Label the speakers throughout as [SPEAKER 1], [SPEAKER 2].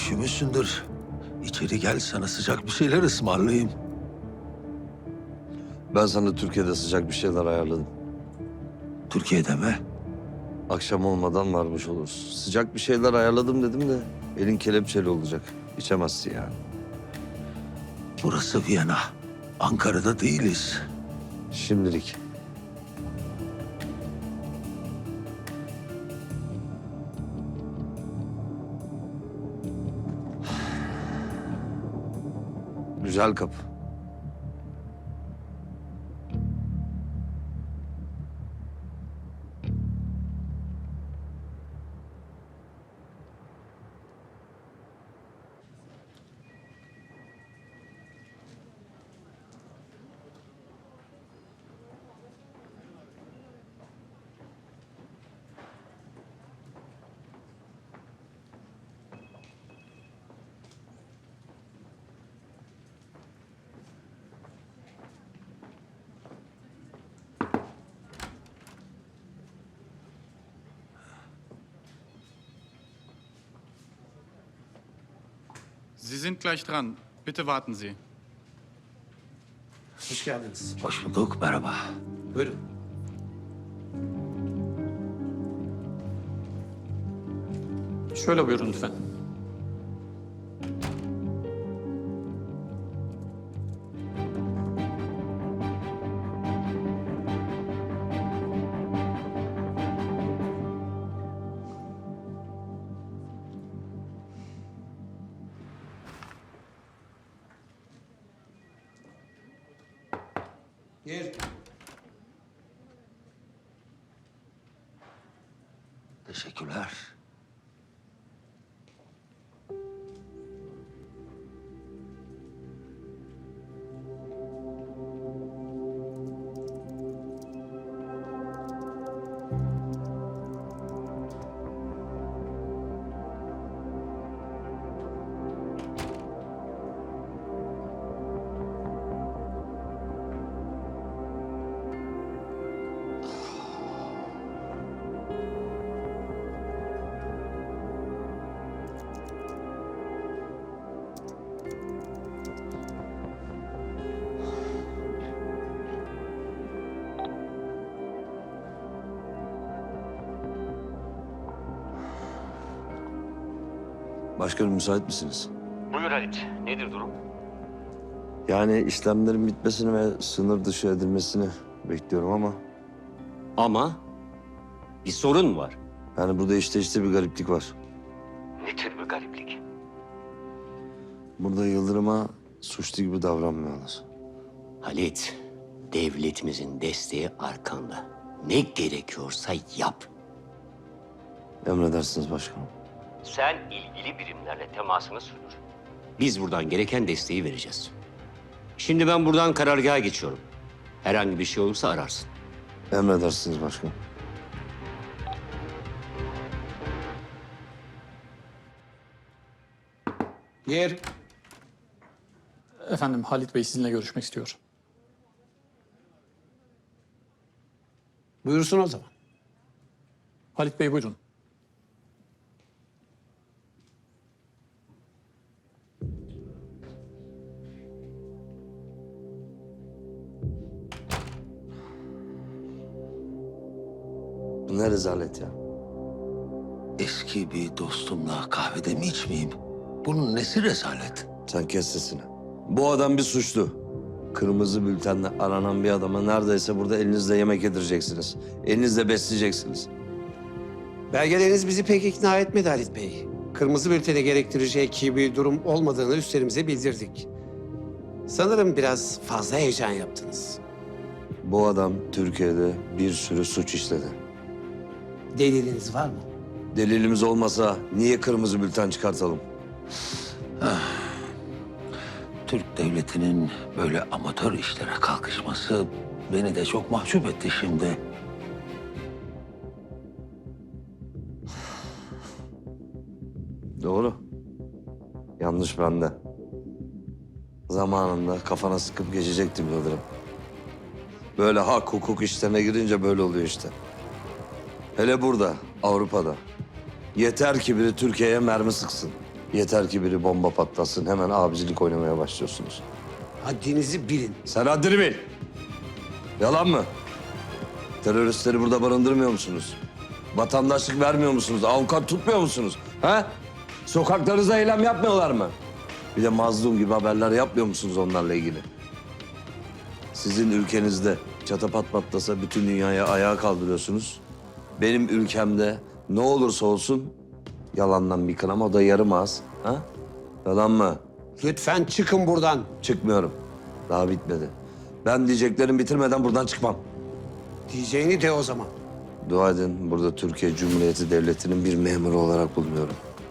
[SPEAKER 1] üşümüşsündür. İçeri gel, sana sıcak bir şeyler ısmarlayayım.
[SPEAKER 2] Ben sana Türkiye'de sıcak bir şeyler ayarladım.
[SPEAKER 1] Türkiye'de mi?
[SPEAKER 2] Akşam olmadan varmış oluruz. Sıcak bir şeyler ayarladım dedim de elin kelepçeli olacak. İçemezsin yani.
[SPEAKER 1] Burası Viyana. Ankara'da değiliz.
[SPEAKER 2] Şimdilik. Güzel kapı.
[SPEAKER 3] Sie sind gleich dran. Bitte warten Sie.
[SPEAKER 4] Hoş geldiniz.
[SPEAKER 1] Hoş bulduk, merhaba.
[SPEAKER 4] Buyurun.
[SPEAKER 5] Şöyle buyurun lütfen.
[SPEAKER 4] Gel.
[SPEAKER 1] Teşekkürler.
[SPEAKER 2] Başkanım müsait misiniz?
[SPEAKER 6] Buyur Halit. Nedir durum?
[SPEAKER 2] Yani işlemlerin bitmesini ve sınır dışı edilmesini bekliyorum ama...
[SPEAKER 6] Ama bir sorun var.
[SPEAKER 2] Yani burada işte bir gariplik var.
[SPEAKER 6] Ne tür bir gariplik?
[SPEAKER 2] Burada Yıldırım'a suçlu gibi davranmıyorlar.
[SPEAKER 6] Halit, devletimizin desteği arkanda. Ne gerekiyorsa yap.
[SPEAKER 2] Emredersiniz başkanım.
[SPEAKER 6] Sen ilgili birimlerle temasını sürdür. Biz buradan gereken desteği vereceğiz. Şimdi ben buradan karargaha geçiyorum. Herhangi bir şey olursa ararsın.
[SPEAKER 2] Emredersiniz başkanım.
[SPEAKER 4] Gel.
[SPEAKER 5] Efendim Halit Bey sizinle görüşmek istiyor.
[SPEAKER 4] Buyursun o zaman.
[SPEAKER 5] Halit Bey buyurun.
[SPEAKER 2] Bu ne rezalet ya.
[SPEAKER 1] Eski bir dostumla kahvede mi içmeyeyim? Bunun nesi rezalet?
[SPEAKER 2] Sen kes sesini. Bu adam bir suçlu. Kırmızı bültenle aranan bir adama neredeyse burada elinizle yemek yedireceksiniz. Elinizle besleyeceksiniz.
[SPEAKER 4] Belgeleriniz bizi pek ikna etmedi Halit Bey. Kırmızı bültene gerektirecek bir durum olmadığını üstlerimize bildirdik. Sanırım biraz fazla heyecan yaptınız.
[SPEAKER 2] Bu adam Türkiye'de bir sürü suç işledi.
[SPEAKER 4] Deliliniz var mı?
[SPEAKER 2] Delilimiz olmasa niye kırmızı bülten çıkartalım?
[SPEAKER 1] Türk devletinin böyle amatör işlere kalkışması beni de çok mahcup etti şimdi.
[SPEAKER 2] Doğru. Yanlış bende. Zamanında kafana sıkıp geçecektim Yıldırım. Böyle hak hukuk işlerine girince böyle oluyor işte. Hele burada, Avrupa'da. Yeter ki biri Türkiye'ye mermi sıksın. Yeter ki biri bomba patlasın, hemen abicilik oynamaya başlıyorsunuz.
[SPEAKER 4] Haddinizi bilin.
[SPEAKER 2] Sen haddini bil. Yalan mı? Teröristleri burada barındırmıyor musunuz? Vatandaşlık vermiyor musunuz? Avukat tutmuyor musunuz? Ha? Sokaklarınızda eylem yapmıyorlar mı? Bir de mazlum gibi haberler yapmıyor musunuz onlarla ilgili? Sizin ülkenizde çatapat patlasa bütün dünyaya ayağa kaldırıyorsunuz. Benim ülkemde ne olursa olsun yalandan bir kınama, o da yarım ağız. Ha? Yalan mı?
[SPEAKER 4] Lütfen çıkın buradan.
[SPEAKER 2] Çıkmıyorum. Daha bitmedi. Ben diyeceklerimi bitirmeden buradan çıkmam.
[SPEAKER 4] Diyeceğini de o zaman.
[SPEAKER 2] Dua edin, burada Türkiye Cumhuriyeti Devleti'nin bir memuru olarak bulunuyorum.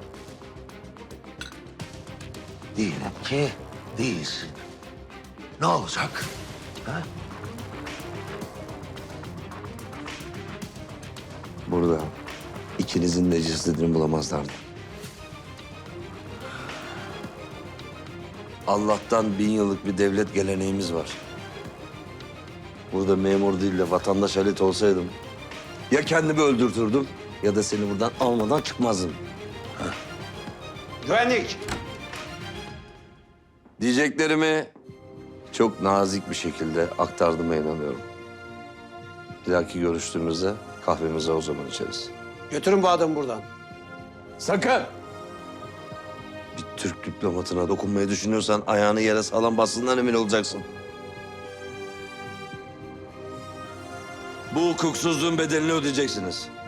[SPEAKER 1] Diyelim ki değilsin. Ne olacak? Ha?
[SPEAKER 2] Burada ikinizin de cesedini bulamazlardı. Allah'tan 1000 yıllık bir devlet geleneğimiz var. Burada memur değil de vatandaş Halit olsaydım ya kendimi öldürtürdüm ya da seni buradan almadan çıkmazdım.
[SPEAKER 4] Güvenlik.
[SPEAKER 2] Diyeceklerimi çok nazik bir şekilde aktardığıma inanıyorum. Bir dahaki görüştüğümüzde kahvemizi o zaman içeriz.
[SPEAKER 4] Götürün bu adamı buradan.
[SPEAKER 2] Sakın! Bir Türk diplomatına dokunmayı düşünüyorsan ayağını yere sağlam bastığından emin olacaksın. Bu hukuksuzluğun bedelini ödeyeceksiniz.